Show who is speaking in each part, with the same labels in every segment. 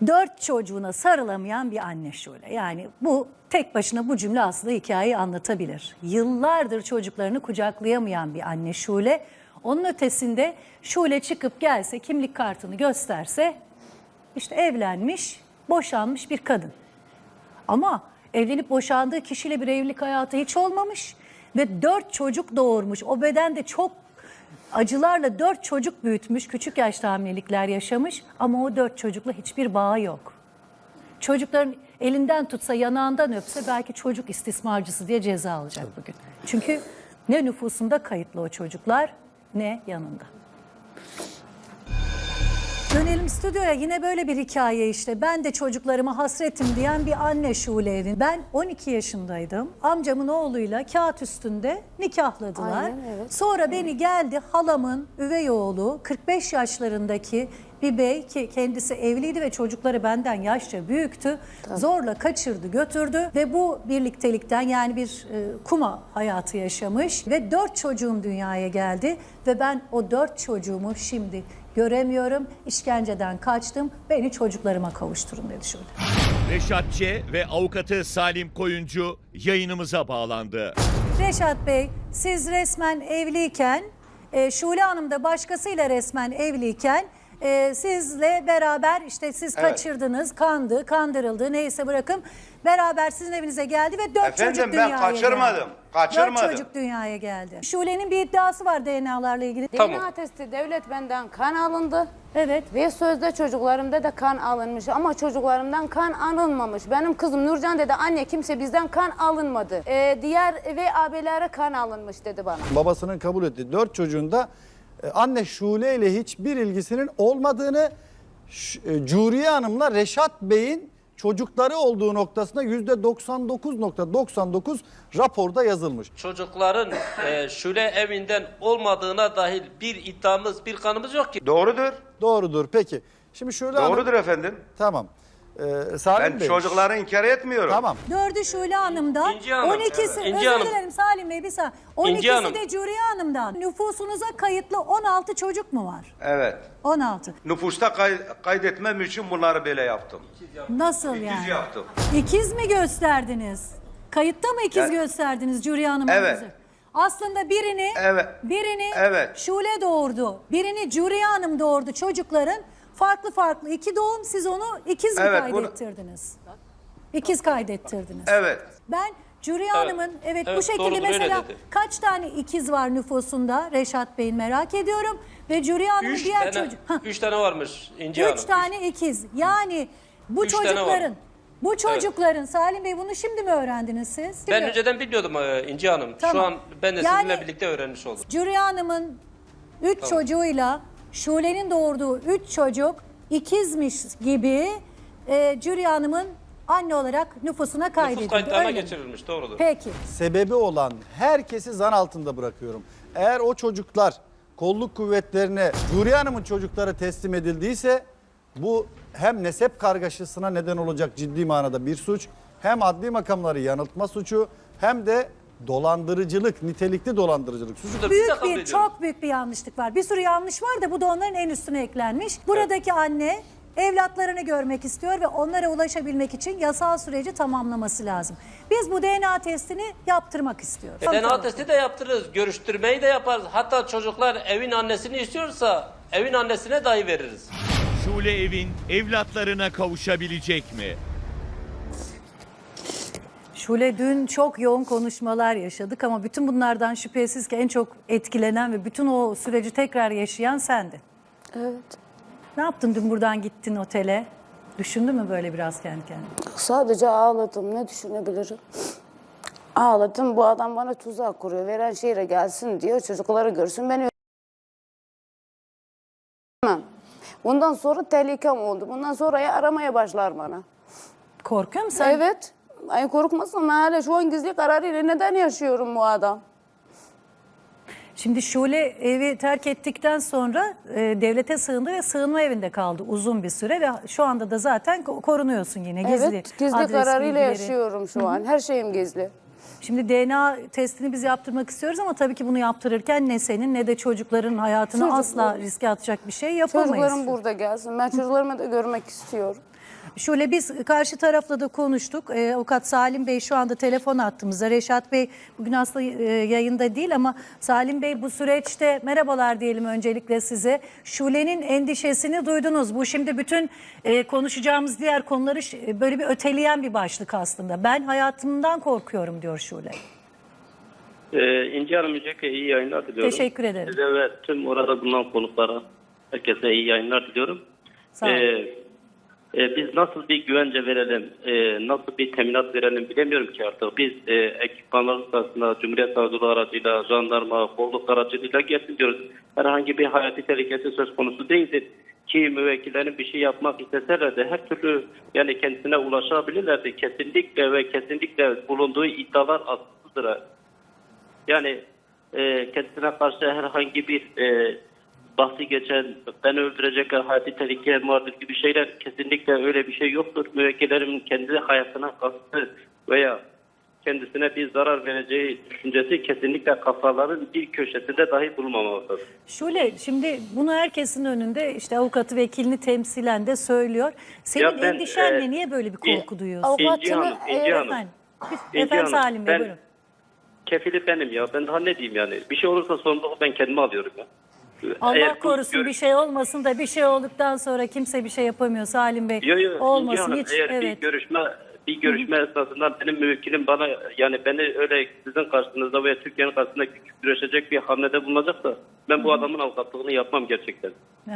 Speaker 1: 4 çocuğuna sarılamayan bir anne Şule. Yani bu tek başına bu cümle aslında hikayeyi anlatabilir. Yıllardır çocuklarını kucaklayamayan bir anne Şule. Onun ötesinde Şule çıkıp gelse, kimlik kartını gösterse işte evlenmiş, boşanmış bir kadın. Ama evlenip boşandığı kişiyle bir evlilik hayatı hiç olmamış ve 4 çocuk doğurmuş. O bedende çok acılarla 4 çocuk büyütmüş, küçük yaşta hamilelikler yaşamış ama o 4 çocukla hiçbir bağı yok. Çocukların elinden tutsa, yanağından öpse belki çocuk istismarcısı diye ceza alacak bugün. Çünkü ne nüfusunda kayıtlı o çocuklar ne yanında. Dönelim stüdyoya, yine böyle bir hikaye işte. Ben de çocuklarıma hasretim diyen bir anne Şule Evin. Ben 12 yaşındaydım. Amcamın oğluyla kağıt üstünde nikahladılar.
Speaker 2: Aynen, evet.
Speaker 1: Sonra beni geldi halamın üvey oğlu 45 yaşlarındaki bir bey ki kendisi evliydi ve çocukları benden yaşça büyüktü. Zorla kaçırdı, götürdü ve bu birliktelikten yani bir kuma hayatı yaşamış ve 4 çocuğum dünyaya geldi ve ben o 4 çocuğumu şimdi göremiyorum. İşkenceden kaçtım. Beni çocuklarıma kavuşturun dedi şöyle.
Speaker 3: Reşat Ç. ve avukatı Salim Koyuncu yayınımıza bağlandı.
Speaker 1: Reşat Bey, siz resmen evliyken, Şule Hanım da başkasıyla resmen evliyken sizle beraber işte siz kaçırdınız, kandı, kandırıldı neyse bırakın. Beraber sizin evinize geldi ve 4 çocuk dünyaya geldi.
Speaker 4: Efendim ben kaçırmadım. Kaçırmadım.
Speaker 1: 4 çocuk dünyaya geldi. Şule'nin bir iddiası var DNA'larla ilgili.
Speaker 4: Tamam.
Speaker 2: DNA testi devlet benden kan alındı.
Speaker 1: Evet.
Speaker 2: Ve sözde çocuklarımda da kan alınmış ama çocuklarımdan kan alınmamış. Benim kızım Nurcan dedi anne kimse bizden kan alınmadı. Diğer ve abilere kan alınmış dedi bana.
Speaker 5: Babasının kabul ettiği 4 çocuğunda anne Şule ile hiçbir ilgisinin olmadığını, Curiye Hanım'la Reşat Bey'in çocukları olduğu noktasında %99.99 raporda yazılmış.
Speaker 6: Çocukların Şule evinden olmadığına dahil bir iddiamız, bir kanımız yok ki.
Speaker 4: Doğrudur.
Speaker 5: Doğrudur. Peki. Şimdi Şule
Speaker 4: Doğrudur
Speaker 5: Hanım.
Speaker 4: efendim.
Speaker 5: Tamam. Salim
Speaker 4: Ben
Speaker 5: Bey.
Speaker 4: çocukları inkar etmiyorum.
Speaker 5: Tamam.
Speaker 1: 4'ü Şule Hanım'dan,
Speaker 6: İnci Hanım.
Speaker 1: 12'si,
Speaker 6: İnci
Speaker 1: özür
Speaker 6: Hanım.
Speaker 1: dilerim Salim Bey bir saniye.
Speaker 6: İnci
Speaker 1: 12'si
Speaker 6: Hanım.
Speaker 1: de Curiye Hanım'dan. Nüfusunuza kayıtlı 16 çocuk mu var?
Speaker 4: Evet.
Speaker 1: 16.
Speaker 4: Nüfusta kaydetmem için bunları böyle yaptım.
Speaker 1: Nasıl
Speaker 4: İkiz
Speaker 1: yani?
Speaker 4: yaptım.
Speaker 1: İkiz mi gösterdiniz? Kayıtta mı ikiz gösterdiniz Curiye Hanım'a?
Speaker 4: Evet.
Speaker 1: Aslında birini
Speaker 4: Evet.
Speaker 1: Şule doğurdu. Birini Curiye Hanım doğurdu. Çocukların farklı iki doğum, siz onu ikiz mi
Speaker 4: Evet, bunu-
Speaker 1: kaydettirdiniz? İkiz kaydettirdiniz.
Speaker 4: Evet.
Speaker 1: Ben Curiye Hanım'ın bu
Speaker 6: Evet,
Speaker 1: şekilde
Speaker 6: doğrudur, öyle
Speaker 1: mesela
Speaker 6: dedi.
Speaker 1: kaç tane ikiz var nüfusunda Reşat Bey'in merak ediyorum. Ve Curiye Hanım'ın diğer çocuk... Hah.
Speaker 6: 3 tane varmış İnci Hanım.
Speaker 1: 3 tane ikiz. Yani bu
Speaker 6: 3 tane var.
Speaker 1: çocukların Salim Bey bunu şimdi mi öğrendiniz siz?
Speaker 6: Ben
Speaker 1: Şimdi-
Speaker 6: önceden biliyordum İnci Hanım.
Speaker 1: Tamam.
Speaker 6: Şu an ben de
Speaker 1: Yani-
Speaker 6: sizinle birlikte öğrenmiş oldum.
Speaker 1: Curiye Hanım'ın 3 çocuğuyla Şule'nin doğurduğu 3 çocuk ikizmiş gibi Curiye Hanım'ın anne olarak nüfusuna
Speaker 6: Nüfus
Speaker 1: kaydedildi.
Speaker 6: kayıtlarına
Speaker 1: öyle mi?
Speaker 6: geçirilmiş, doğrudur.
Speaker 1: Peki.
Speaker 5: Sebebi olan herkesi zan altında bırakıyorum. Eğer o çocuklar kolluk kuvvetlerine Curiye Hanım'ın çocukları teslim edildiyse bu hem nesep kargaşasına neden olacak ciddi manada bir suç, hem adli makamları yanıltma suçu, hem de dolandırıcılık, nitelikli dolandırıcılık suçu.
Speaker 6: Biz de
Speaker 1: Büyük
Speaker 6: kabul
Speaker 1: bir,
Speaker 6: ediyoruz.
Speaker 1: çok büyük bir yanlışlık var. Bir sürü yanlış var da bu da onların en üstüne eklenmiş. Buradaki anne evlatlarını görmek istiyor ve onlara ulaşabilmek için yasal süreci tamamlaması lazım. Biz bu DNA testini yaptırmak istiyoruz.
Speaker 6: DNA testi de yaptırırız, görüştürmeyi de yaparız. Hatta çocuklar evin annesini istiyorsa evin annesine dahi veririz.
Speaker 3: Şule Evin evlatlarına kavuşabilecek mi?
Speaker 1: Şule dün çok yoğun konuşmalar yaşadık ama bütün bunlardan şüphesiz ki en çok etkilenen ve bütün o süreci tekrar yaşayan sendin.
Speaker 2: Evet.
Speaker 1: Ne yaptın dün buradan gittin otele? Düşündün mü böyle biraz kendi kendine?
Speaker 2: Sadece ağladım. Ne düşünebilirim? Ağladım. Bu adam bana tuzak kuruyor. Veren şehre gelsin diyor. Çocukları görsün. Beni öldürmem. Bundan sonra tehlikem oldu. Bundan sonra aramaya başlar bana.
Speaker 1: Korkuyor musun sen?
Speaker 2: Evet. Ay korkmasam ben hala şu an gizli kararıyla neden yaşıyorum bu adam?
Speaker 1: Şimdi Şule evi terk ettikten sonra devlete sığındı ve sığınma evinde kaldı uzun bir süre ve şu anda da zaten korunuyorsun yine gizli.
Speaker 2: Evet, gizli
Speaker 1: adres
Speaker 2: kararıyla
Speaker 1: bilgileri.
Speaker 2: yaşıyorum şu an. Her şeyim gizli.
Speaker 1: Şimdi DNA testini biz yaptırmak istiyoruz ama tabii ki bunu yaptırırken ne senin ne de çocukların hayatını
Speaker 2: Çocuklar-
Speaker 1: asla riske atacak bir şey yapamayız.
Speaker 2: Çocuklarım burada gelsin. Ben çocuklarımı da görmek istiyorum.
Speaker 1: Şöyle biz karşı tarafla da konuştuk. Avukat Salim Bey şu anda telefon attığımızda. Reşat Bey bugün aslında yayında değil ama Salim Bey bu süreçte merhabalar diyelim öncelikle size. Şule'nin endişesini duydunuz. Bu şimdi bütün konuşacağımız diğer konuları böyle bir öteleyen bir başlık aslında. Ben hayatımdan korkuyorum diyor Şule.
Speaker 7: İnci Hanım öncelikle iyi yayınlar diliyorum.
Speaker 1: Teşekkür ederim.
Speaker 7: Size ve tüm orada bulunan konuklara, herkese iyi yayınlar diliyorum.
Speaker 1: Sağ olun.
Speaker 7: Biz nasıl bir güvence verelim, nasıl bir teminat verelim bilemiyorum ki artık. Biz ekipmanların arasında Cumhuriyet Savcılığı aracıyla, jandarma, kolluk aracılığıyla gelsin diyoruz. Herhangi bir hayati tehlikesi söz konusu değildir. Ki müvekkillerin bir şey yapmak isteseler de her türlü yani kendisine ulaşabilirlerdi. Kesinlikle ve kesinlikle bulunduğu iddialar asılsızdır. Yani kendisine karşı herhangi bir bahsi geçen, beni öldürecekler, hayati tehlikelerim vardır gibi şeyler kesinlikle öyle bir şey yoktur. Müvekkillerin kendi hayatına kastı veya kendisine bir zarar vereceği düşüncesi kesinlikle kafaların bir köşesinde dahi bulunmamalıdır.
Speaker 1: Şule şimdi bunu herkesin önünde işte avukatı vekilini temsilen de söylüyor. Senin
Speaker 7: Ya ben,
Speaker 1: endişenle niye böyle bir korku duyuyorsun?
Speaker 7: İnci Hanım, İnci Hanım.
Speaker 1: Efendim,
Speaker 7: İnci
Speaker 1: efendim
Speaker 7: Hanım,
Speaker 1: Salim Bey
Speaker 7: ben-
Speaker 1: buyurun.
Speaker 7: Kefili benim ya. Ben daha ne diyeyim yani. Bir şey olursa sorumluluğu ben kendime alıyorum ya.
Speaker 1: Allah
Speaker 7: Eğer bu
Speaker 1: korusun bir şey olmasın da bir şey olduktan sonra kimse bir şey yapamıyor Salim Bey.
Speaker 7: Yo, İnci
Speaker 1: Olmasın
Speaker 7: Hanım,
Speaker 1: hiç
Speaker 7: eğer
Speaker 1: evet.
Speaker 7: bir görüşme esnasında benim müvekkilim bana yani beni öyle sizin karşınızda veya Türkiye'nin karşısında küçük düşecek bir hamlede bulunacaksa ben bu adamın avukatlığını yapmam gerçekten.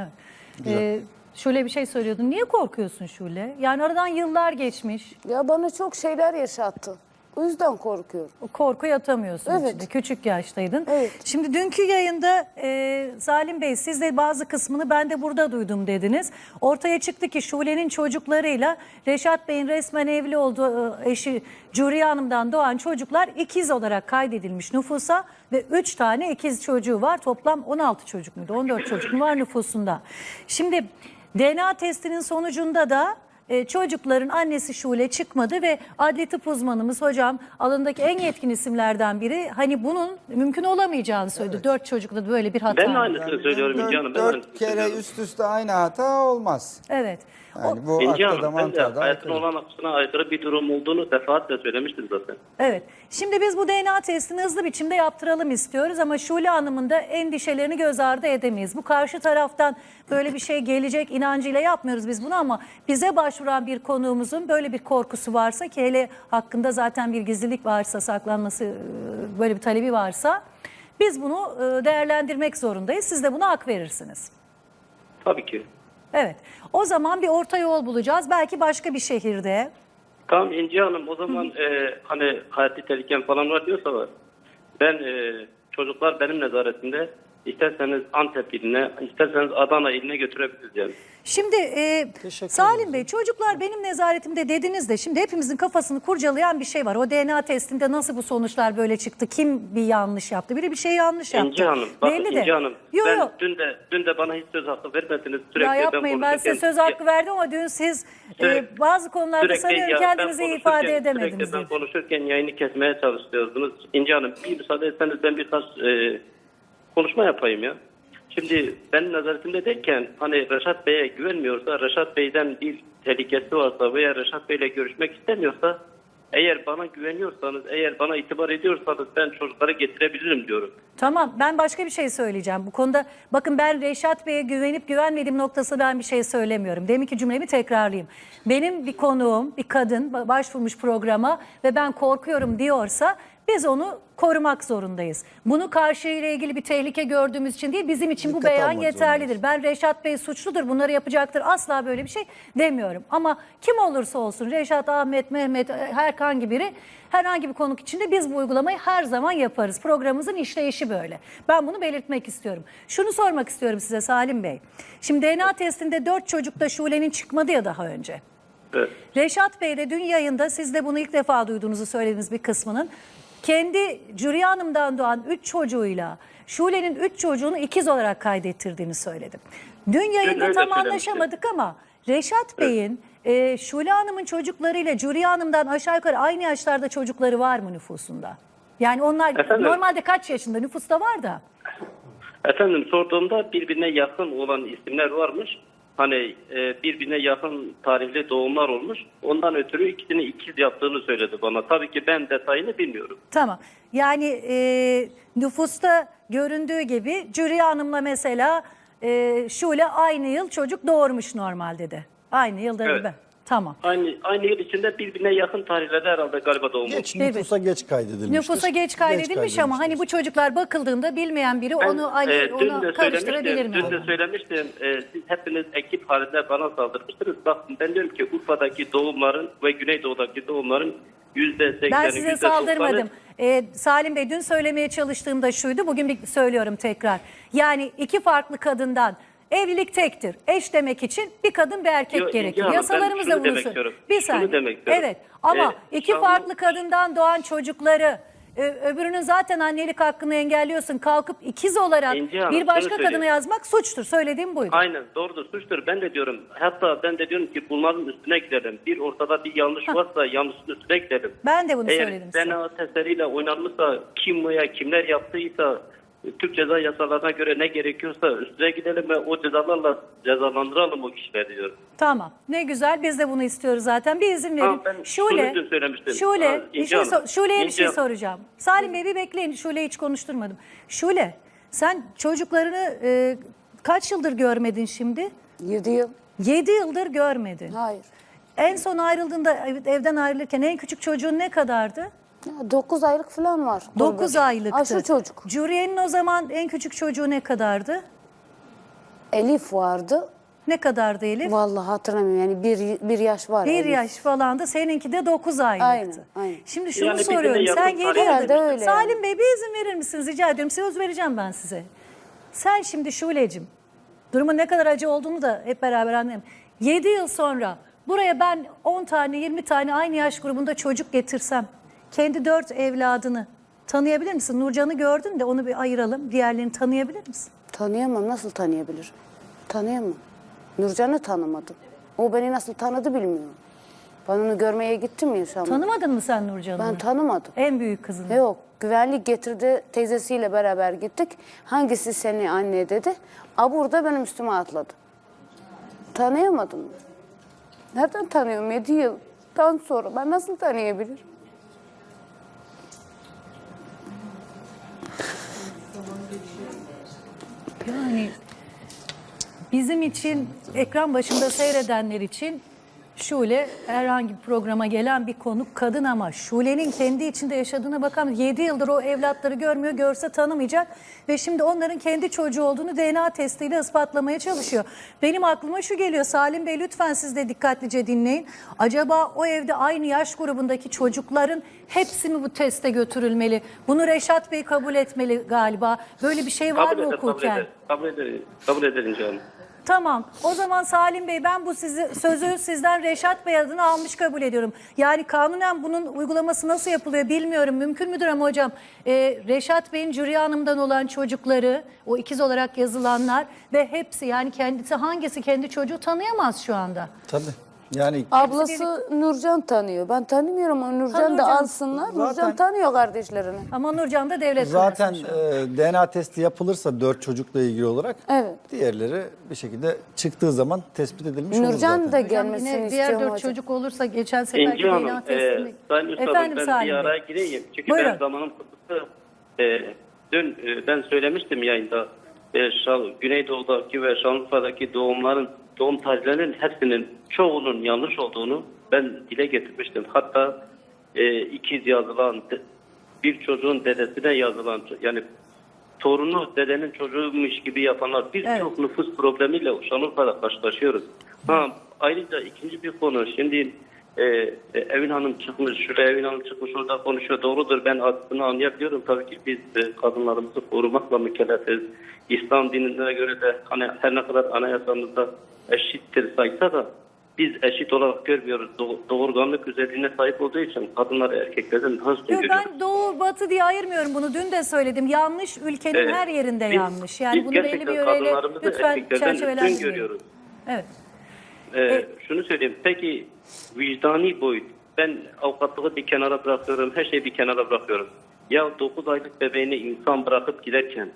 Speaker 1: Evet. Şule bir şey söylüyordun. Niye korkuyorsun Şule? Yani aradan yıllar geçmiş.
Speaker 2: Ya bana çok şeyler yaşattı. O yüzden korkuyorum.
Speaker 1: O korkuyu atamıyorsun
Speaker 2: Evet.
Speaker 1: içinde. Küçük yaştaydın.
Speaker 2: Evet.
Speaker 1: Şimdi dünkü yayında Salim Bey siz de bazı kısmını ben de burada duydum dediniz. Ortaya çıktı ki Şule'nin çocuklarıyla Reşat Bey'in resmen evli olduğu eşi Curiye Hanım'dan doğan çocuklar ikiz olarak kaydedilmiş nüfusa ve 3 tane ikiz çocuğu var. Toplam 16 çocuk muydu? 14 çocuk mu var nüfusunda? Şimdi DNA testinin sonucunda da çocukların annesi Şule çıkmadı ve adli tıp uzmanımız hocam alandaki en yetkin isimlerden biri hani bunun mümkün olamayacağını söyledi. 4 çocukla da böyle bir hata.
Speaker 7: Ben de aynısını söylüyorum İnci Hanım. Ben de aynısını
Speaker 8: Dört kere
Speaker 7: söylüyorum.
Speaker 8: üst üste aynı hata olmaz.
Speaker 1: Evet.
Speaker 8: Yani bu
Speaker 7: İnci
Speaker 8: akla da
Speaker 7: Hanım ben de
Speaker 8: mantığa da
Speaker 7: hayatın
Speaker 8: aykırı.
Speaker 7: olan akışına aykırı bir durum olduğunu defaatle söylemiştim zaten.
Speaker 1: Evet. Şimdi biz bu DNA testini hızlı biçimde yaptıralım istiyoruz ama Şule Hanım'ın da endişelerini göz ardı edemeyiz. Bu karşı taraftan böyle bir şey gelecek inancıyla yapmıyoruz biz bunu ama bize başvuran bir konuğumuzun böyle bir korkusu varsa ki hele hakkında zaten bir gizlilik varsa saklanması böyle bir talebi varsa biz bunu değerlendirmek zorundayız. Siz de buna hak verirsiniz.
Speaker 7: Tabii ki.
Speaker 1: Evet. O zaman bir orta yol bulacağız. Belki başka bir şehirde.
Speaker 7: Tamam İnci Hanım o zaman hani hayati tehlikem falan var diyorsa var. Ben çocuklar benim nezaretimde isterseniz Antep iline, isterseniz Adana iline götürebiliriz yani.
Speaker 1: Şimdi Salim Bey çocuklar benim nezaretimde dediniz de şimdi hepimizin kafasını kurcalayan bir şey var. O DNA testinde nasıl bu sonuçlar böyle çıktı? Kim bir yanlış yaptı? Biri bir şey yanlış yaptı.
Speaker 7: İnci Hanım, bakın
Speaker 1: Belli de.
Speaker 7: İnci Hanım,
Speaker 1: Yo,
Speaker 7: ben
Speaker 1: yo.
Speaker 7: dün de bana hiç söz hakkı vermediniz. Sürekli
Speaker 1: Ya yapmayın ben size söz hakkı verdim ama dün siz bazı konularda sanıyorum kendinizi ifade edemediniz.
Speaker 7: Sürekli ben
Speaker 1: diye.
Speaker 7: konuşurken yayını kesmeye çalışıyordunuz. İnci Hanım bir müsaade etseniz ben birkaç konuşma yapayım ya. Şimdi benim nazaretimde derken hani Reşat Bey'e güvenmiyorsa, Reşat Bey'den bir tehlikesi varsa veya Reşat Bey'le görüşmek istemiyorsa eğer bana güveniyorsanız, eğer bana itibar ediyorsanız ben çocukları getirebilirim diyorum.
Speaker 1: Tamam ben başka bir şey söyleyeceğim. Bu konuda bakın ben Reşat Bey'e güvenip güvenmediğim noktasında ben bir şey söylemiyorum. Deminki cümlemi tekrarlayayım. Benim bir konuğum, bir kadın başvurmuş programa ve ben korkuyorum diyorsa biz onu korumak zorundayız. Bunu karşıyla ilgili bir tehlike gördüğümüz için değil bizim için bu
Speaker 5: Dikkat
Speaker 1: beyan
Speaker 5: almak
Speaker 1: yeterlidir. Ben Reşat Bey suçludur bunları yapacaktır asla böyle bir şey demiyorum. Ama kim olursa olsun Reşat, Ahmet, Mehmet herhangi biri herhangi bir konuk içinde biz bu uygulamayı her zaman yaparız. Programımızın işleyişi böyle. Ben bunu belirtmek istiyorum. Şunu sormak istiyorum size Salim Bey. Şimdi DNA testinde 4 çocukta Şule'nin çıkmadı ya daha önce.
Speaker 7: Evet.
Speaker 1: Reşat Bey de dün yayında siz de bunu ilk defa duyduğunuzu söylediğiniz bir kısmının kendi Curiye Hanım'dan doğan 3 çocuğuyla Şule'nin 3 çocuğunu ikiz olarak kaydettirdiğini söyledim. Dün yayında
Speaker 7: öyle
Speaker 1: tam
Speaker 7: söylemiştim.
Speaker 1: anlaşamadık ama Reşat Bey'in Şule Hanım'ın çocuklarıyla Curiye Hanım'dan aşağı yukarı aynı yaşlarda çocukları var mı nüfusunda? Yani onlar
Speaker 7: Efendim?
Speaker 1: normalde kaç yaşında nüfusta var da?
Speaker 7: Efendim sorduğumda birbirine yakın olan isimler varmış. hani birbirine yakın tarihli doğumlar olmuş. Ondan ötürü ikisini ikiz yaptığını söyledi bana. Tabii ki ben detayını bilmiyorum.
Speaker 1: Tamam. Yani nüfusta göründüğü gibi Cüriye Hanım'la mesela Şule aynı yıl çocuk doğurmuş normalde de. Aynı yılda
Speaker 7: Evet.
Speaker 1: gibi. Tamam.
Speaker 7: Aynı yıl içinde birbirine yakın tarihlerde herhalde galiba doğum olmuş.
Speaker 5: Geç, nüfusa geç kaydedilmiştir.
Speaker 1: Nüfusa geç kaydedilmiş ama hani bu çocuklar bakıldığında bilmeyen biri onu ona karıştırabilir mi?
Speaker 7: Dün de söylemiştim. Siz hepiniz ekip halinde bana saldırmıştınız. Bakın ben diyorum ki Urfa'daki doğumların ve Güneydoğu'daki doğumların %80'i,
Speaker 1: Ben size
Speaker 7: %90'ı
Speaker 1: saldırmadım. Salim Bey dün söylemeye çalıştığımda şuydu, bugün bir söylüyorum tekrar. Yani iki farklı kadından evlilik tektir. Eş demek için bir kadın bir erkek
Speaker 7: Yok,
Speaker 1: gerekir.
Speaker 7: İnci Hanım,
Speaker 1: Yasalarımız
Speaker 7: ben
Speaker 1: da
Speaker 7: şunu
Speaker 1: bunu
Speaker 7: demek istiyorum.
Speaker 1: Bir
Speaker 7: Şunu
Speaker 1: saniye.
Speaker 7: demek istiyorum.
Speaker 1: Evet ama iki
Speaker 7: şu an-
Speaker 1: farklı kadından doğan çocukları öbürünün zaten annelik hakkını engelliyorsun. Kalkıp ikiz olarak
Speaker 7: İnci Hanım,
Speaker 1: bir başka
Speaker 7: şunu
Speaker 1: kadına
Speaker 7: söyleyeyim.
Speaker 1: yazmak suçtur. Söylediğim buydu.
Speaker 7: Aynen doğrudur, suçtur. Ben de diyorum. Hatta ben de diyorum ki bunların üstüne gidelim. Bir ortada bir yanlış varsa yanlışın üstüne gidelim.
Speaker 1: Ben de bunu
Speaker 7: Eğer
Speaker 1: söyledim size.
Speaker 7: DNA testleriyle oynanmışsa kim veya kimler yaptıysa Türk ceza yasalarına göre ne gerekiyorsa üstüne gidelim ve o cezalarla cezalandıralım o kişileri diyorum.
Speaker 1: Tamam. Ne güzel. Biz de bunu istiyoruz zaten. Bir izin verin.
Speaker 7: Tamam, ben şunu dün söylemiştim.
Speaker 1: Şule, bir
Speaker 7: İnci
Speaker 1: şey
Speaker 7: Hanım,
Speaker 1: Şule'ye bir şey
Speaker 7: İnci-
Speaker 1: soracağım. Salim Bey bir bekleyin. Şule'yi hiç konuşturmadım. Şule, sen çocuklarını kaç yıldır görmedin şimdi?
Speaker 2: 7 yıl.
Speaker 1: 7 yıldır görmedin.
Speaker 2: Hayır.
Speaker 1: En son ayrıldığında evden ayrılırken en küçük çocuğun ne kadardı?
Speaker 2: 9 aylık falan var.
Speaker 1: 9 aylıktı.
Speaker 2: Şu çocuk.
Speaker 1: Curiye'nin o zaman en küçük çocuğu ne kadardı?
Speaker 2: Elif vardı.
Speaker 1: Ne kadardı Elif?
Speaker 2: Vallahi hatırlamıyorum yani bir yaş var.
Speaker 1: 1
Speaker 2: Elif.
Speaker 1: yaş falan da seninki de 9 aylıktı.
Speaker 2: Aynen, aynen.
Speaker 1: Şimdi şunu
Speaker 7: Yani birbirine
Speaker 1: soruyorum.
Speaker 7: yakın
Speaker 1: Sen 7
Speaker 7: tarih-
Speaker 2: Herhalde
Speaker 1: yıldır.
Speaker 2: öyle.
Speaker 1: Salim Bey bir izin verir misiniz rica ediyorum. Söz vereceğim ben size. Sen şimdi Şule'cim durumun ne kadar acı olduğunu da hep beraber anlayalım. 7 yıl sonra buraya ben 10 tane 20 tane aynı yaş grubunda çocuk getirsem kendi 4 evladını tanıyabilir misin? Nurcan'ı gördün de onu bir ayıralım. Diğerlerini tanıyabilir misin?
Speaker 2: Tanıyamam. Nasıl tanıyabilirim? Tanıyamam. Nurcan'ı tanımadım. O beni nasıl tanıdı bilmiyorum. Ben onu görmeye gittim ya Şam'a.
Speaker 1: Tanımadın mı sen Nurcan'ı?
Speaker 2: Ben tanımadım.
Speaker 1: En büyük kızını.
Speaker 2: Yok. Güvenlik getirdi. Teyzesiyle beraber gittik. Hangisi seni anne dedi. Burada benim üstüme atladı. Tanıyamadım. Nereden tanıyorum 7 yıldan sonra? Ben nasıl tanıyabilirim?
Speaker 1: Yani bizim için ekran başında seyredenler için Şule herhangi bir programa gelen bir konuk kadın ama Şule'nin kendi içinde yaşadığına bakan 7 yıldır o evlatları görmüyor, görse tanımayacak ve şimdi onların kendi çocuğu olduğunu DNA testiyle ispatlamaya çalışıyor. Benim aklıma şu geliyor, Salim Bey lütfen siz de dikkatlice dinleyin. Acaba o evde aynı yaş grubundaki çocukların hepsi mi bu teste götürülmeli? Bunu Reşat Bey kabul etmeli galiba. Böyle bir şey var mı hukuken?
Speaker 7: Kabul ederim canım.
Speaker 1: Tamam. O zaman Salim Bey ben bu sözü sizden Reşat Bey adına almış kabul ediyorum. Yani kanunen bunun uygulaması nasıl yapılıyor bilmiyorum. Mümkün müdür ama hocam Reşat Bey'in Cüriye Hanım'dan olan çocukları o ikiz olarak yazılanlar ve hepsi yani kendisi hangisi kendi çocuğu tanıyamaz şu anda.
Speaker 5: Tabii. Yani
Speaker 2: Ablası Nurcan tanıyor. Ben tanımıyorum ama Nurcan da
Speaker 1: Nurcan.
Speaker 2: alsınlar.
Speaker 5: Zaten-
Speaker 2: Nurcan tanıyor kardeşlerini.
Speaker 1: Ama Nurcan da devlet
Speaker 5: zaten
Speaker 1: kaynaklı şu an.
Speaker 5: DNA testi yapılırsa 4 çocukla ilgili olarak
Speaker 2: Evet.
Speaker 5: diğerleri bir şekilde çıktığı zaman tespit edilmiş olur
Speaker 2: Nurcan
Speaker 5: zaten.
Speaker 2: da
Speaker 1: Hocam
Speaker 2: gelmesini
Speaker 1: yine diğer
Speaker 2: istiyorum
Speaker 1: 4
Speaker 2: hocam.
Speaker 1: çocuk olursa geçen seferki
Speaker 7: İnci Hanım,
Speaker 1: DNA testini.
Speaker 7: Sayın Üstadım
Speaker 1: Efendim
Speaker 7: ben
Speaker 1: Salim
Speaker 7: bir
Speaker 1: Bey.
Speaker 7: araya gireyim. Çünkü
Speaker 1: Buyurun.
Speaker 7: ben zamanım kısıtlı. Dün ben söylemiştim yayında. Güneydoğu'daki ve Şanlıurfa'daki doğum tarihlerinin hepsinin çoğunun yanlış olduğunu ben dile getirmiştim. Hatta ikiz yazılan, bir çocuğun dedesine yazılan, yani torunu dedenin çocuğuymuş gibi yapanlar birçok nüfus problemiyle Şanlıurfa'da karşılaşıyoruz. Ayrıca ikinci bir konu, şimdi Evin Hanım çıkmış, şuraya Evin Hanım çıkmış orada konuşuyor. Doğrudur, ben adını anlayabiliyorum. Tabii ki biz kadınlarımızı korumakla mükellefiz. İslam dinine göre de hani her ne kadar anayasamızda eşittir saysa da biz eşit olarak görmüyoruz. Doğurganlık özelliğine sahip olduğu için kadınları erkeklerden daha üstün
Speaker 1: Yok,
Speaker 7: görüyoruz.
Speaker 1: ben doğu batı diye ayırmıyorum bunu. Dün de söyledim. Yanlış ülkenin
Speaker 7: Evet.
Speaker 1: her yerinde
Speaker 7: Biz-
Speaker 1: yanlış. Yani
Speaker 7: biz
Speaker 1: bunu belli
Speaker 7: gerçekten
Speaker 1: bir yöreyle
Speaker 7: kadınlarımızı
Speaker 1: lütfen
Speaker 7: erkeklerden üstün
Speaker 1: çerçevelendirmeyin.
Speaker 7: görüyoruz.
Speaker 1: Evet.
Speaker 7: Şunu söyleyeyim. Peki vicdani boyut. Ben avukatlığı bir kenara bırakıyorum. Her şeyi bir kenara bırakıyorum. Ya 9 aylık bebeğini insan bırakıp giderken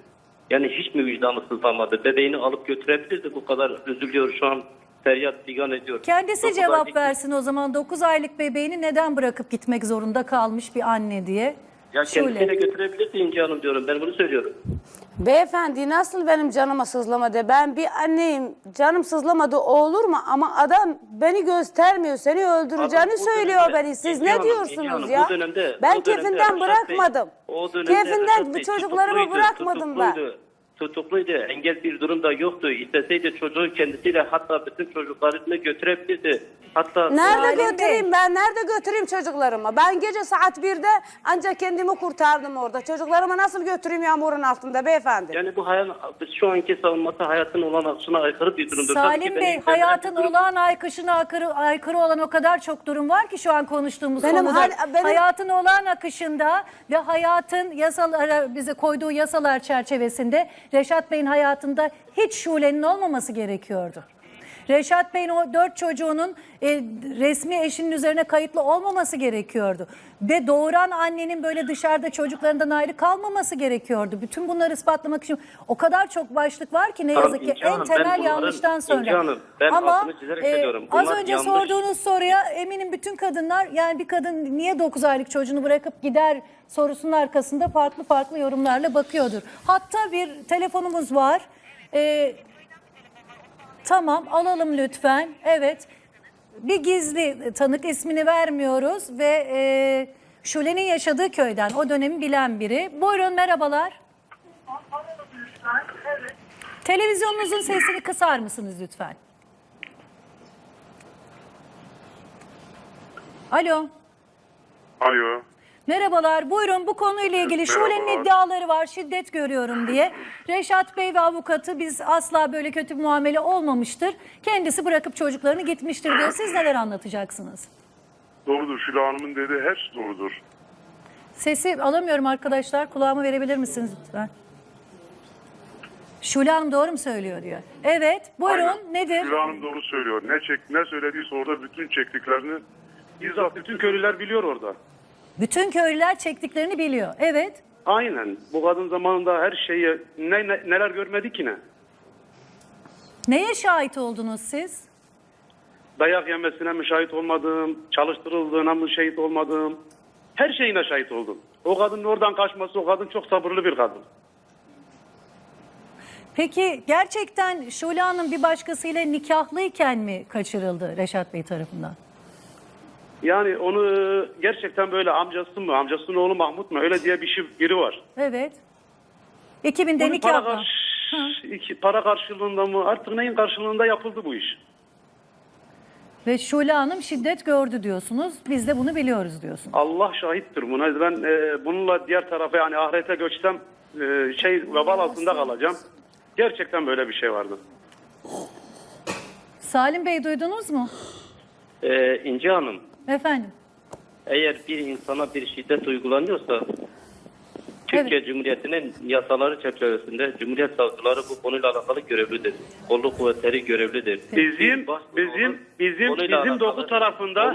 Speaker 7: Yani hiç mi vicdanı sızlamadı? Bebeğini alıp götürebilirdi. Bu kadar üzülüyor şu an. Feryat figan ediyor.
Speaker 1: Kendisi
Speaker 7: 9
Speaker 1: cevap
Speaker 7: aylık-
Speaker 1: versin o zaman. 9 aylık bebeğini neden bırakıp gitmek zorunda kalmış bir anne diye.
Speaker 7: Ya kendisiyle götürebilirdi İnci Hanım diyorum. Ben bunu söylüyorum.
Speaker 2: Beyefendi nasıl benim canıma sızlamadı? Ben bir anneyim. Canım sızlamadı o olur mu? Ama adam beni göstermiyor. Seni öldüreceğini
Speaker 7: Adam bu
Speaker 2: söylüyor
Speaker 7: dönemde-
Speaker 2: beni. Siz
Speaker 7: İnci
Speaker 2: ne
Speaker 7: Hanım,
Speaker 2: diyorsunuz
Speaker 7: İnci Hanım,
Speaker 2: ya?
Speaker 7: o dönemde-
Speaker 2: Ben
Speaker 7: o dönemde
Speaker 2: kefinden
Speaker 7: Reşat Bey-
Speaker 2: bırakmadım.
Speaker 7: o dönemde Reşat
Speaker 2: Kefinden
Speaker 7: Bey
Speaker 2: çocuklarımı
Speaker 7: tutukluydu,
Speaker 2: bırakmadım ben.
Speaker 7: Tutukluydu. Engel bir durumda yoktu. İsteseydi çocuğu kendisiyle hatta bütün çocuklarını götürebilirdi. Hatta
Speaker 2: Nerede
Speaker 1: Salim Bey.
Speaker 2: götüreyim ben? Nerede götüreyim çocuklarımı? Ben gece saat 1'de ancak kendimi kurtardım orada. Çocuklarımı nasıl götüreyim yağmurun altında beyefendi?
Speaker 7: yani bu şu anki savunması hayatın olan akışına aykırı bir durumdur. Tabii ki
Speaker 1: Salim
Speaker 7: benim
Speaker 1: Bey,
Speaker 7: kendime
Speaker 1: hayatın
Speaker 7: bir durum-
Speaker 1: olağan aykışına aykırı olan o kadar çok durum var ki şu an konuştuğumuz
Speaker 2: Benim
Speaker 1: konuda.
Speaker 2: benim-
Speaker 1: Hayatın olağan akışında ve hayatın yasalara bize koyduğu yasalar çerçevesinde Reşat Bey'in hayatında hiç Şule'nin olmaması gerekiyordu. Reşat Bey'in o 4 çocuğunun resmi eşinin üzerine kayıtlı olmaması gerekiyordu. Ve doğuran annenin böyle dışarıda çocuklarından ayrı kalmaması gerekiyordu. Bütün bunları ispatlamak için o kadar çok başlık var ki ne
Speaker 7: Tamam,
Speaker 1: yazık ki
Speaker 7: İnci Hanım,
Speaker 1: en
Speaker 7: ben
Speaker 1: temel
Speaker 7: bunların-
Speaker 1: yanlıştan sonra.
Speaker 7: İnci Hanım, ben altını çizerek söylüyorum.
Speaker 1: Az
Speaker 7: Bunlar
Speaker 1: önce
Speaker 7: yanlış.
Speaker 1: sorduğunuz soruya eminim bütün kadınlar, yani bir kadın niye 9 aylık çocuğunu bırakıp gider sorusunun arkasında farklı farklı yorumlarla bakıyordur. Hatta bir telefonumuz var. Tamam, alalım lütfen. Evet. Bir gizli tanık, ismini vermiyoruz ve Şule'nin yaşadığı köyden, o dönemi bilen biri. Buyurun, merhabalar. Televizyonunuzun sesini kısar mısınız lütfen? Alo.
Speaker 9: Alo.
Speaker 1: Merhabalar, buyurun, bu konuyla ilgili Şule'nin
Speaker 9: Merhabalar.
Speaker 1: iddiaları var, şiddet görüyorum diye. Reşat Bey ve avukatı biz asla böyle kötü bir muamele olmamıştır. Kendisi bırakıp çocuklarını gitmiştir diyor. Siz neler anlatacaksınız?
Speaker 9: Doğrudur. Şule Hanım'ın dediği her şey doğrudur.
Speaker 1: Sesi alamıyorum arkadaşlar, kulağımı verebilir misiniz lütfen? Şule Hanım doğru mu söylüyor diyor. Evet, buyurun,
Speaker 9: Aynen.
Speaker 1: nedir?
Speaker 9: Şule Hanım doğru söylüyor. Ne söylediğiyse orada bütün çektiklerini bizzat bütün köylüler biliyor orada.
Speaker 1: Bütün köylüler çektiklerini biliyor. Evet.
Speaker 9: Aynen. Bu kadın zamanında her şeyi neler görmedi ki ne?
Speaker 1: Neye şahit oldunuz siz?
Speaker 9: Dayak yemesine mi şahit olmadım? Çalıştırıldığına mı şahit olmadım? Her şeyine şahit oldum. O kadının oradan kaçması, o kadın çok sabırlı bir kadın.
Speaker 1: Peki gerçekten Şule Hanım bir başkasıyla nikahlıyken mi kaçırıldı Reşat Bey tarafından?
Speaker 9: Yani onu gerçekten böyle amcası mı, amcasının oğlu Mahmut mu öyle diye biri var.
Speaker 1: Evet. 2000'de
Speaker 9: Bunun
Speaker 1: nikahla.
Speaker 9: para karşılığında mı artık neyin karşılığında yapıldı bu iş?
Speaker 1: Ve Şule Hanım şiddet gördü diyorsunuz. Biz de bunu biliyoruz diyorsunuz.
Speaker 9: Allah şahittir buna. Ben bununla diğer tarafa yani ahirete göçsem vebal altında kalacağım. Gerçekten böyle bir şey vardı.
Speaker 1: Salim Bey duydunuz mu?
Speaker 7: İnci Hanım,
Speaker 1: Efendim.
Speaker 7: eğer bir insana bir şiddet uygulanıyorsa Türkiye Cumhuriyeti'nin yasaları çerçevesinde Cumhuriyet savcıları bu konuyla alakalı görevlidir. Kolluk kuvvetleri görevlidir.
Speaker 9: Bizim doku tarafında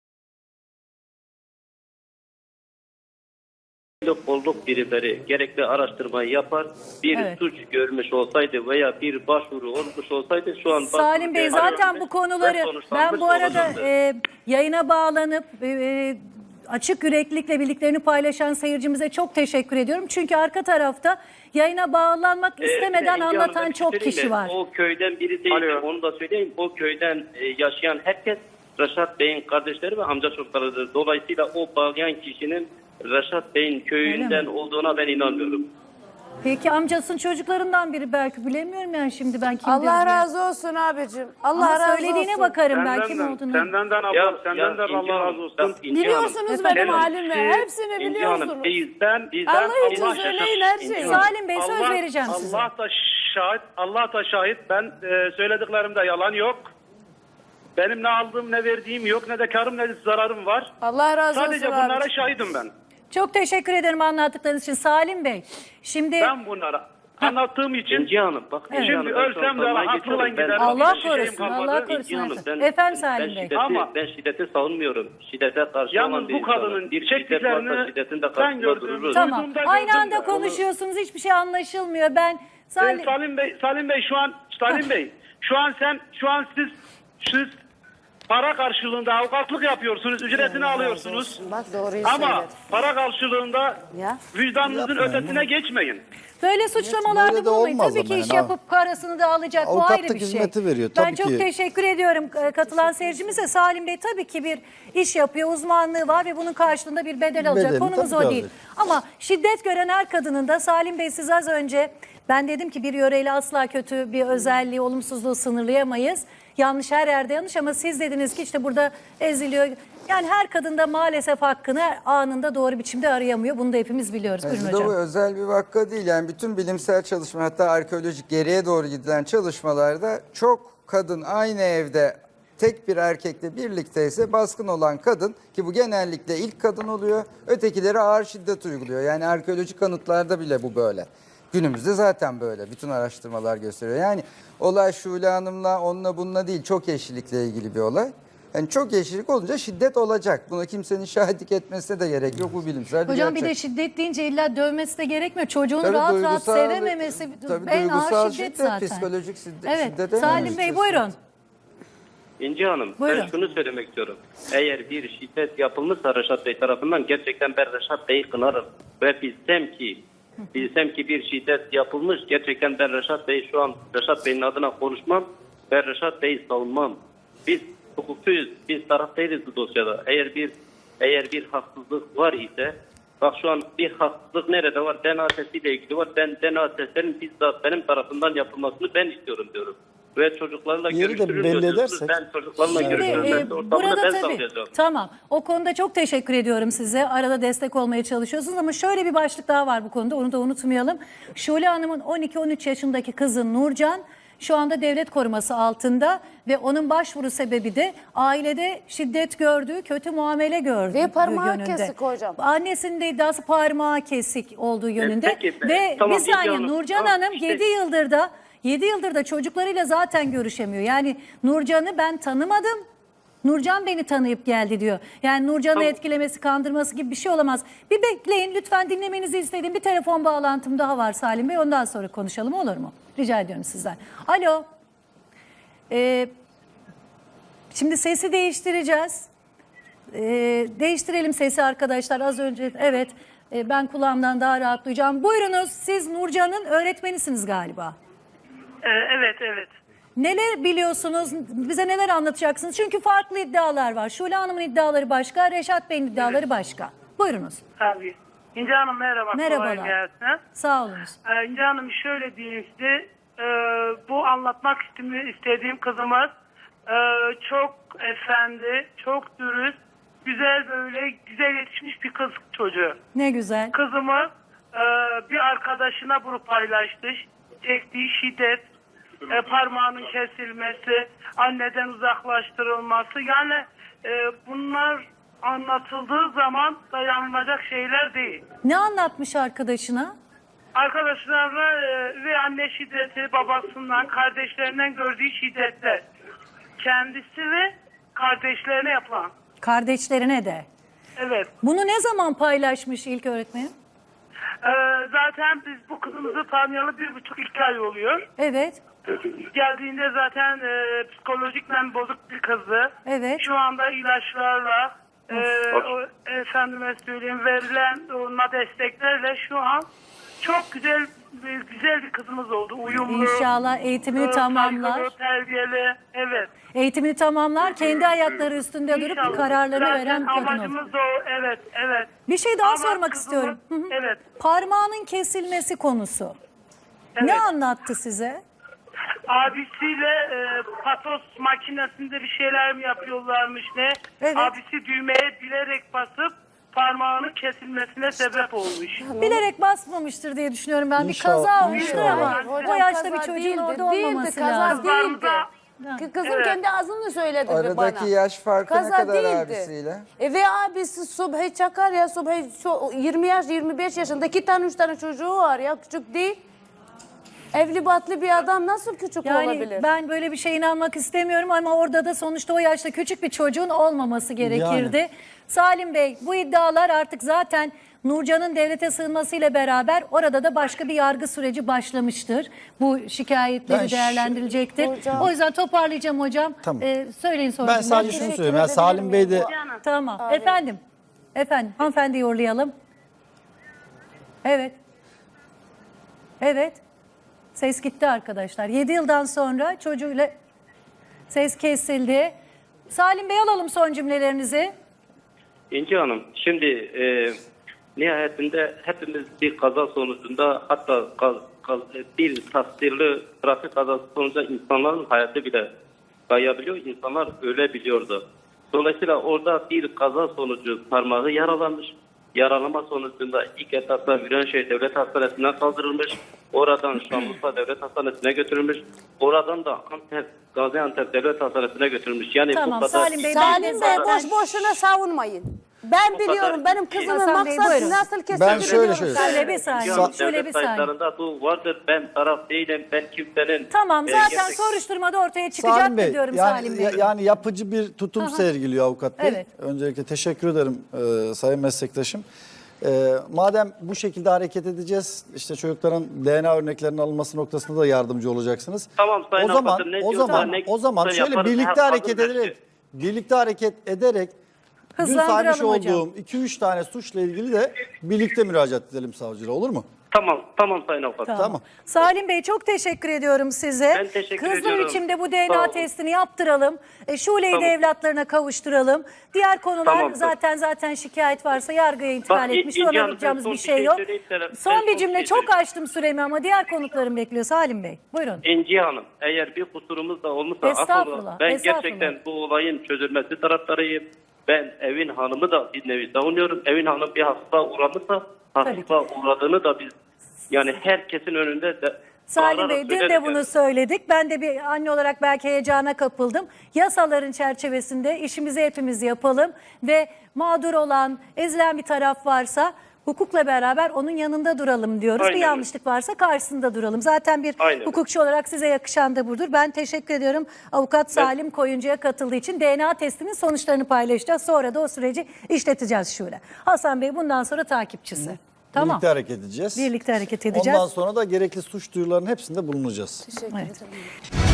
Speaker 7: kolluk birimleri gerekli araştırmayı yapar. Bir
Speaker 1: Evet.
Speaker 7: suç görmüş olsaydı veya bir başvuru olmuş olsaydı şu an
Speaker 1: Salim Bey zaten bu konuları ben bu arada yayına bağlanıp açık yüreklilikle bildiklerini paylaşan seyircimize çok teşekkür ediyorum. Çünkü arka tarafta yayına bağlanmak istemeden anlatan çok kişi var.
Speaker 7: O köyden biri değil.
Speaker 9: Alo.
Speaker 7: Onu da söyleyeyim. O köyden yaşayan herkes Reşat Bey'in kardeşleri ve amca çocuklarıdır. Dolayısıyla o bağlayan kişinin Reşat Bey'in köyünden olduğuna ben inanmıyorum.
Speaker 1: Peki amcasının çocuklarından biri belki bilemiyorum yani şimdi ben kim
Speaker 2: Allah
Speaker 1: diyorum.
Speaker 2: razı olsun abicim. Allah
Speaker 1: Ama
Speaker 2: razı
Speaker 1: söylediğine
Speaker 2: olsun.
Speaker 1: bakarım ben kim olduğunu.
Speaker 9: senden de Allah razı olsun.
Speaker 2: Biliyorsunuz benim halimi. Hepsini biliyorsunuz.
Speaker 7: Bizden
Speaker 2: Allah için söyleyin her şeyi.
Speaker 1: Salim Bey söz vereceğim size.
Speaker 9: Allah da şahit. Ben söylediklerimde yalan yok. Benim ne aldığım ne verdiğim yok, ne de karım ne de zararım var.
Speaker 2: Allah razı olsun
Speaker 9: Sadece bunlara
Speaker 2: abicim.
Speaker 9: şahidim ben.
Speaker 1: Çok teşekkür ederim anlattıklarınız için Salim Bey. Şimdi
Speaker 9: Ben bunlara anlattığım için.
Speaker 7: İnci Hanım bak.
Speaker 1: Evet.
Speaker 7: İnci Hanım,
Speaker 9: Şimdi
Speaker 7: ben şu an
Speaker 9: ölsem de
Speaker 7: savunmaya
Speaker 9: haklı
Speaker 7: geçiyorum.
Speaker 9: gider.
Speaker 7: Ben-
Speaker 1: Allah
Speaker 9: hiçbir şeyim
Speaker 1: korusun,
Speaker 9: kalmadı.
Speaker 1: Allah
Speaker 7: İnci
Speaker 1: korusun.
Speaker 7: Hanım, ben,
Speaker 1: Efendim Salim Bey.
Speaker 7: Ben şiddeti savunmuyorum. Şiddete karşı
Speaker 9: Yalnız
Speaker 7: olan bir
Speaker 9: bu kadının
Speaker 7: insanım. Bir şiddet
Speaker 9: çektiklerini
Speaker 7: varsa şiddetin de
Speaker 9: ben
Speaker 7: karşısında
Speaker 9: gördüm.
Speaker 7: dururuz.
Speaker 1: Tamam.
Speaker 9: Duyduğumda
Speaker 1: Aynı
Speaker 9: gördüm
Speaker 1: anda
Speaker 9: ya, onu-
Speaker 1: konuşuyorsunuz. Hiçbir şey anlaşılmıyor. Ben Salim...
Speaker 9: Salim Bey şu an siz para karşılığında avukatlık yapıyorsunuz, ücretini alıyorsunuz.
Speaker 2: Bak doğruyu
Speaker 9: Ama
Speaker 2: söyledi.
Speaker 9: para karşılığında
Speaker 2: Ya.
Speaker 9: vicdanınızın
Speaker 5: Yapmayın
Speaker 9: ötesine geçmeyin.
Speaker 1: Böyle suçlamalarda
Speaker 5: Böyle de
Speaker 1: bulunmayın.
Speaker 5: olmaz
Speaker 1: Tabii
Speaker 5: ama
Speaker 1: ki iş
Speaker 5: yani.
Speaker 1: yapıp parasını da alacak. Bu
Speaker 5: Avukatlık
Speaker 1: ayrı bir şey.
Speaker 5: hizmeti veriyor,
Speaker 1: Ben
Speaker 5: tabii
Speaker 1: çok
Speaker 5: ki.
Speaker 1: teşekkür ediyorum katılan seyircimize. Salim Bey tabii ki bir iş yapıyor, uzmanlığı var ve bunun karşılığında bir bedel alacak.
Speaker 5: Bedelini
Speaker 1: Konumuz
Speaker 5: tabii
Speaker 1: o
Speaker 5: ki
Speaker 1: değil.
Speaker 5: alacak.
Speaker 1: Ama şiddet gören her kadının da Salim Bey siz az önce ben dedim ki bir yöreyle asla kötü bir özelliği, olumsuzluğu sınırlayamayız. Yanlış her yerde yanlış ama siz dediniz ki işte burada eziliyor. Yani her kadın da maalesef hakkını anında doğru biçimde arayamıyor. Bunu da hepimiz biliyoruz. Buyurun
Speaker 8: Bu da
Speaker 1: hocam.
Speaker 8: bu özel bir vaka değil. Yani bütün bilimsel çalışma, hatta arkeolojik geriye doğru gidilen çalışmalarda çok kadın aynı evde tek bir erkekle birlikteyse baskın olan kadın, ki bu genellikle ilk kadın oluyor, ötekileri ağır şiddet uyguluyor. Yani arkeolojik kanıtlarda bile bu böyle. Günümüzde zaten böyle. Bütün araştırmalar gösteriyor. Yani olay Şule Hanım'la, onunla bununla değil, çok eşlilikle ilgili bir olay. Yani çok eşlilik olunca şiddet olacak. Buna kimsenin şahitlik etmesine de gerek yok. Bu bilimsel bir
Speaker 1: Hocam bir
Speaker 8: gerçek.
Speaker 1: de şiddet deyince illa dövmesi de gerekmiyor. Çocuğunu
Speaker 8: Tabii
Speaker 1: rahat rahat
Speaker 8: duygusal-
Speaker 1: sevememesi
Speaker 8: tabii
Speaker 1: en ağır
Speaker 8: duygusal
Speaker 1: şiddet zaten.
Speaker 8: psikolojik şiddet.
Speaker 1: Evet.
Speaker 8: şiddete
Speaker 1: Salim
Speaker 8: yönelik
Speaker 1: Bey
Speaker 8: şiddet.
Speaker 1: buyurun.
Speaker 7: İnci Hanım,
Speaker 1: Buyurun.
Speaker 7: ben şunu söylemek istiyorum. Eğer bir şiddet yapılmışsa Reşat Bey tarafından, gerçekten ben Reşat Bey'i kınarım. Ve bilsem ki bir şiddet yapılmış, gerçekten ben Reşat Bey'in adına konuşmam ve Reşat Bey'i savunmam. Biz hukukçuyuz, biz taraf değiliz bu dosyada. Eğer bir haksızlık var ise, bak şu an bir haksızlık nerede var? DNA testiyle ilgili var. Ben DNA testlerinin bizzat benim tarafından yapılmasını ben istiyorum diyorum. Ve çocuklarla
Speaker 5: Yeri de
Speaker 7: görüştürün
Speaker 5: belli
Speaker 7: diyorsunuz.
Speaker 5: edersek.
Speaker 7: Ben çocuklarla
Speaker 1: Şimdi
Speaker 7: görüştürün. Ortamını
Speaker 1: burada
Speaker 7: ben
Speaker 1: tabii
Speaker 7: sağlayacağım.
Speaker 1: tamam o konuda çok teşekkür ediyorum size. Arada destek olmaya çalışıyorsunuz ama şöyle bir başlık daha var bu konuda, onu da unutmayalım. Şule Hanım'ın 12-13 yaşındaki kızı Nurcan şu anda devlet koruması altında ve onun başvuru sebebi de ailede şiddet gördüğü, kötü muamele gördüğü
Speaker 2: Ve parmağı
Speaker 1: yönünde.
Speaker 2: kesik hocam.
Speaker 1: Annesinin de iddiası parmağı kesik olduğu yönünde.
Speaker 7: Peki,
Speaker 1: Ve
Speaker 7: tamam,
Speaker 1: bir saniye
Speaker 7: İlgi Hanım.
Speaker 1: Nurcan
Speaker 7: Ah,
Speaker 1: Hanım
Speaker 7: işte-
Speaker 1: 7 yıldır da çocuklarıyla zaten görüşemiyor. Yani Nurcan'ı ben tanımadım. Nurcan beni tanıyıp geldi diyor. Yani Nurcan'ı
Speaker 7: Tamam.
Speaker 1: etkilemesi, kandırması gibi bir şey olamaz. Bir bekleyin lütfen, dinlemenizi istediğim bir telefon bağlantım daha var Salim Bey. Ondan sonra konuşalım, olur mu? Rica ediyorum sizden. Alo. Şimdi sesi değiştireceğiz. Değiştirelim sesi arkadaşlar. Az önce evet ben kulağımdan daha rahat duyacağım. Buyurunuz, siz Nurcan'ın öğretmenisiniz galiba.
Speaker 10: Evet.
Speaker 1: Neler biliyorsunuz? Bize neler anlatacaksınız? Çünkü farklı iddialar var. Şule Hanım'ın iddiaları başka, Reşat Bey'in iddiaları başka. Buyurunuz.
Speaker 10: Abi. İnce Hanım merhaba.
Speaker 1: Merhabalar.
Speaker 10: Kolay gelsin.
Speaker 1: Sağ olunuz.
Speaker 10: İnce Hanım şöyle diyeyim size. Bu anlatmak istediğim kızımız çok efendi, çok dürüst, güzel yetişmiş bir kız çocuğu.
Speaker 1: Ne güzel.
Speaker 10: Kızımız bir arkadaşına bunu paylaştı. Çektiği şiddet, parmağının kesilmesi, anneden uzaklaştırılması. Yani bunlar anlatıldığı zaman dayanılacak şeyler değil.
Speaker 1: Ne anlatmış arkadaşına?
Speaker 10: Arkadaşlarına ve anne şiddeti, babasından, kardeşlerinden gördüğü şiddetler. Kendisi ve kardeşlerine yapılan.
Speaker 1: Kardeşlerine de.
Speaker 10: Evet.
Speaker 1: Bunu ne zaman paylaşmış ilk öğretmenim?
Speaker 10: Zaten biz bu kızımızı tanıyalı 1,5-2 ay oluyor.
Speaker 1: Evet.
Speaker 10: Geldiğinde zaten psikolojikmen bozuk bir kızdı.
Speaker 1: Evet.
Speaker 10: Şu anda ilaçlarla, efendime söyleyeyim, verilen ona desteklerle şu an çok güzel bir kızımız oldu. Uyumlu.
Speaker 1: İnşallah eğitimini tamamlar.
Speaker 10: saygılı, terbiyeli. Evet.
Speaker 1: Eğitimini tamamlar, kendi ayakları üstünde durup
Speaker 10: İnşallah.
Speaker 1: kararlarını
Speaker 10: Zaten
Speaker 1: veren bir kadın olur.
Speaker 10: amacımız da o. Evet.
Speaker 1: Bir şey daha
Speaker 10: Ama
Speaker 1: sormak
Speaker 10: kızımız-
Speaker 1: istiyorum. Hı hı.
Speaker 10: Evet.
Speaker 1: Parmağının kesilmesi konusu. Ne
Speaker 10: Evet.
Speaker 1: anlattı size?
Speaker 10: Abisiyle patos makinesinde bir şeyler mi yapıyorlarmış ne?
Speaker 1: Evet.
Speaker 10: Abisi düğmeye bilerek basıp parmağının kesilmesine sebep olmuş.
Speaker 1: Bilerek basmamıştır diye düşünüyorum ben. Bir
Speaker 5: İnşallah,
Speaker 1: kaza olmuştur
Speaker 5: inşallah.
Speaker 1: ama
Speaker 2: Hocam,
Speaker 1: o yaşta
Speaker 2: kaza
Speaker 1: bir çocuğun
Speaker 2: değildi,
Speaker 1: orada olmaması
Speaker 2: kaza
Speaker 1: lazım.
Speaker 2: değildi.
Speaker 10: Aramızda-
Speaker 2: Kızım
Speaker 10: Evet.
Speaker 2: kendi ağzını söyledi bana.
Speaker 8: Aradaki yaş farkı ne
Speaker 2: Kaza
Speaker 8: kadar
Speaker 2: değildi.
Speaker 8: abisiyle?
Speaker 2: Ve abisi Subhi Çakar ya, Subhi 20 yaş 25 yaşında 2 tane 3 tane çocuğu var ya, küçük değil. Evli barklı bir adam nasıl küçük
Speaker 1: Yani
Speaker 2: olabilir?
Speaker 1: ben böyle bir şeye inanmak istemiyorum ama orada da sonuçta o yaşta küçük bir çocuğun olmaması gerekirdi. Salim Bey, bu iddialar artık zaten Nurcan'ın devlete sığınmasıyla beraber orada da başka bir yargı süreci başlamıştır. Bu şikayetleri
Speaker 5: Ben
Speaker 1: değerlendirilecektir.
Speaker 2: Hocam.
Speaker 1: O yüzden toparlayacağım hocam.
Speaker 5: Tamam.
Speaker 1: Söyleyin sonra.
Speaker 5: Ben sadece şunu söyleyeyim. Yani Salim Bey de
Speaker 1: Tamam. Efendim. Hanımefendi yorlayalım. Evet. Evet. Ses gitti arkadaşlar. 7 yıldan sonra çocuğuyla ses kesildi. Salim Bey, alalım son cümlelerinizi.
Speaker 7: İnci Hanım, şimdi nihayetinde hepimiz bir kaza sonucunda, hatta bir tasdirli trafik kazası sonucunda insanların hayatı bile kayabiliyor, insanlar ölebiliyordu. Dolayısıyla orada bir kaza sonucu parmağı yaralanmış. Yaralanma sonucunda ilk etapta Viranşehir Devlet Hastanesi'ne kaldırılmış. Oradan Şanlıurfa Devlet Hastanesi'ne götürülmüş. Oradan da Gaziantep Devlet Hastanesi'ne götürülmüş. Yani
Speaker 1: Tamam,
Speaker 7: bu kadar...
Speaker 1: Salim Bey,
Speaker 2: Salim Bey boş boşuna savunmayın. Ben biliyorum benim kızımın
Speaker 1: Hasan Bey,
Speaker 2: maksadı
Speaker 1: buyurun.
Speaker 2: nasıl kesildi.
Speaker 5: Ben şöyle
Speaker 2: biliyorum.
Speaker 5: şöyle-
Speaker 1: Şöyle bir saniye.
Speaker 7: Yani
Speaker 1: Şöyle bir
Speaker 7: devlet
Speaker 1: saniye.
Speaker 7: kayıtlarında bu vardır. Ben taraf değilim. Ben kimsenin...
Speaker 1: Tamam, zaten
Speaker 7: gerçek-
Speaker 1: soruşturmada ortaya
Speaker 5: Salim
Speaker 1: çıkacaktır
Speaker 5: Bey,
Speaker 1: diyorum
Speaker 5: yani,
Speaker 1: Salim Bey.
Speaker 5: yani yapıcı bir tutum sergiliyor avukat bey.
Speaker 1: Evet.
Speaker 5: Öncelikle teşekkür ederim sayın meslektaşım. Madem bu şekilde hareket edeceğiz, işte çocukların DNA örneklerinin alınması noktasında da yardımcı olacaksınız.
Speaker 7: Tamam, sayın
Speaker 5: o zaman
Speaker 7: avukatım, ne
Speaker 5: o
Speaker 7: diyorsa
Speaker 5: zaman
Speaker 7: ne
Speaker 5: o zaman
Speaker 7: diyorsa
Speaker 5: şöyle
Speaker 7: yaparız.
Speaker 5: birlikte
Speaker 7: Her
Speaker 5: hareket
Speaker 7: hazır
Speaker 5: ederek
Speaker 7: bekliyor.
Speaker 5: birlikte hareket ederek dün
Speaker 1: Hızlandıralım
Speaker 5: saymış
Speaker 1: hocam.
Speaker 5: olduğum 2-3 tane suçla ilgili de birlikte müracaat edelim savcılığa, olur mu?
Speaker 7: Tamam sayın avukat.
Speaker 5: Tamam.
Speaker 1: Salim Bey, çok teşekkür ediyorum size.
Speaker 7: Ben teşekkür
Speaker 1: Hızlı
Speaker 7: ediyorum.
Speaker 1: biçimde bu
Speaker 7: Sağ
Speaker 1: DNA
Speaker 7: olun.
Speaker 1: testini yaptıralım. Şule'yi de
Speaker 7: Tamam.
Speaker 1: evlatlarına kavuşturalım. Diğer konular
Speaker 7: Tamamdır.
Speaker 1: zaten şikayet varsa yargıya intikal
Speaker 7: Bak,
Speaker 1: etmiş.
Speaker 7: İnci
Speaker 1: Ona
Speaker 7: Hanım,
Speaker 1: yapacağımız
Speaker 7: son
Speaker 1: bir
Speaker 7: bir
Speaker 1: şey
Speaker 7: şey
Speaker 1: yok.
Speaker 7: söyleyeyim sana.
Speaker 1: Son
Speaker 7: Ben
Speaker 1: bir
Speaker 7: son
Speaker 1: cümle,
Speaker 7: bir şey
Speaker 1: çok
Speaker 7: söyleyeyim.
Speaker 1: açtım süremi ama diğer konuklarım bekliyor Salim Bey. Buyurun.
Speaker 7: İnci Hanım, eğer bir kusurumuz da olmuşsa
Speaker 1: Estağfurullah,
Speaker 7: affola. Ben
Speaker 1: estağfurullah.
Speaker 7: gerçekten bu olayın çözülmesi taraftarıyım. Ben Evin Hanım'ı da bir nevi savunuyorum. Evin Hanım bir hastalığa uğramışsa hastalığa uğradığını da biz, yani herkesin önünde de
Speaker 1: Salim
Speaker 7: bağırarak
Speaker 1: Bey, dün de
Speaker 7: söyleriz
Speaker 1: bunu
Speaker 7: yani.
Speaker 1: söyledik. Ben de bir anne olarak belki heyecana kapıldım. Yasaların çerçevesinde işimizi hepimiz yapalım ve mağdur olan, ezilen bir taraf varsa hukukla beraber onun yanında duralım diyoruz.
Speaker 7: Aynen
Speaker 1: Bir
Speaker 7: öyle.
Speaker 1: yanlışlık varsa karşısında duralım. Zaten bir
Speaker 7: Aynen öyle.
Speaker 1: hukukçu olarak size yakışan da budur. Ben teşekkür ediyorum avukat Salim Koyuncu'ya katıldığı için. DNA testinin sonuçlarını paylaşacağız. Sonra da o süreci işleteceğiz şöyle. Hasan Bey bundan sonra takipçisi. Tamam.
Speaker 5: Birlikte hareket edeceğiz.
Speaker 1: Birlikte hareket edeceğiz.
Speaker 5: Ondan sonra da gerekli suç duyurularının hepsinde bulunacağız.
Speaker 2: Teşekkür
Speaker 1: Evet.
Speaker 2: ederim.